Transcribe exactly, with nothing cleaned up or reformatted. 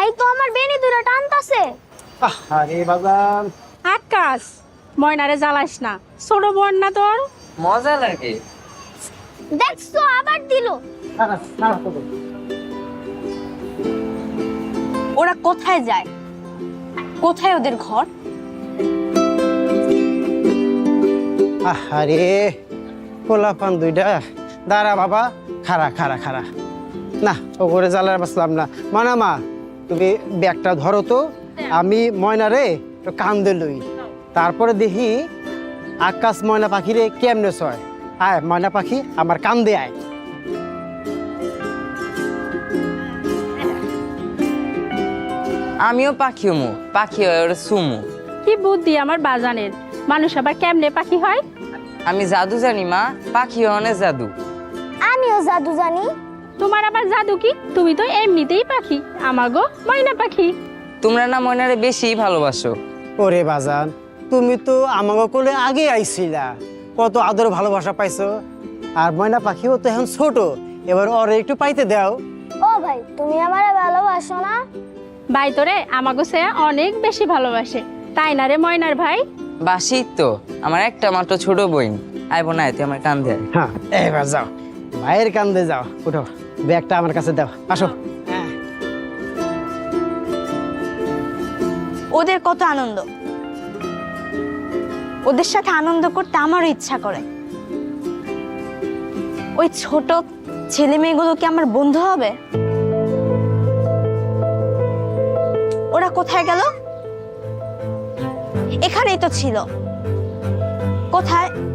ভাই তো আমার বেনি দুরা টানতাছে। আরে বাজান আকাশ ময়নারে জ্বালাস না, ছোট বোন না তোর? মজা লাগে। দেখছো আবার দিল। খারাপ খারাপ তো ওরা কোথায় যায়? কোথায় ওদের ঘর? আরে পোলাপান দুইটা দাঁড়া বাবা, খারা খারা খারা না ও করে জ্বালার বাসলাম না। মানা মা তুমি ব্যাগটা ধরো তো, আমি ময়নারে একটু কান্দে লই, তারপরে দেখি আকাশ ময়না পাখিরে কেমনে ছয়। আয় ময়না পাখি আমার কান্দে আয়। আমিও পাখি হমু, পাখি হয় ওরা সুমু। কি বুদ্ধি আমার বাজানের, মানুষ আবার কেমনে পাখি হয়? আমি জাদু জানি মা, পাখি হয় অনেক জাদু। আমিও জাদু জানি। তোমার আবার জাদু কি? তুমি তো এমনিতেই পাখি, আমাগো ময়না পাখি। তোমরা না ময়নারে বেশি ভালোবাসো। ওরে বাজান তুমি তো আমাকে কোলে আগে আইছিলা, কত আদর ভালোবাসা পাইছো। আর ময়না পাখিও তো এখন ছোট, এবার ওরে একটু পাইতে দাও। ও ভাই তুমি আমারে ভালোবাসো না? ভাই তোরে আমাগো সে অনেক বেশি ভালোবাসে, তাই না রে ময়নার ভাই? বাসি তো আমার একটা মাত্র ছোট বইন। আইব না তুই আমার কান্দে আয়। হ্যাঁ এবার যাও, ভাইয়ের কান্দে যাও, উঠো ব্যাগটা আমার কাছে দাও, আসো। হ্যাঁ ওদের কত আনন্দ, ওদের সাথে আনন্দ করতে আমারও ইচ্ছা করে। ওই ছোট ছেলে মেয়েগুলো কি আমার বন্ধু হবে? ওরা কোথায় গেল? এখানেই তো ছিল। কোথায়?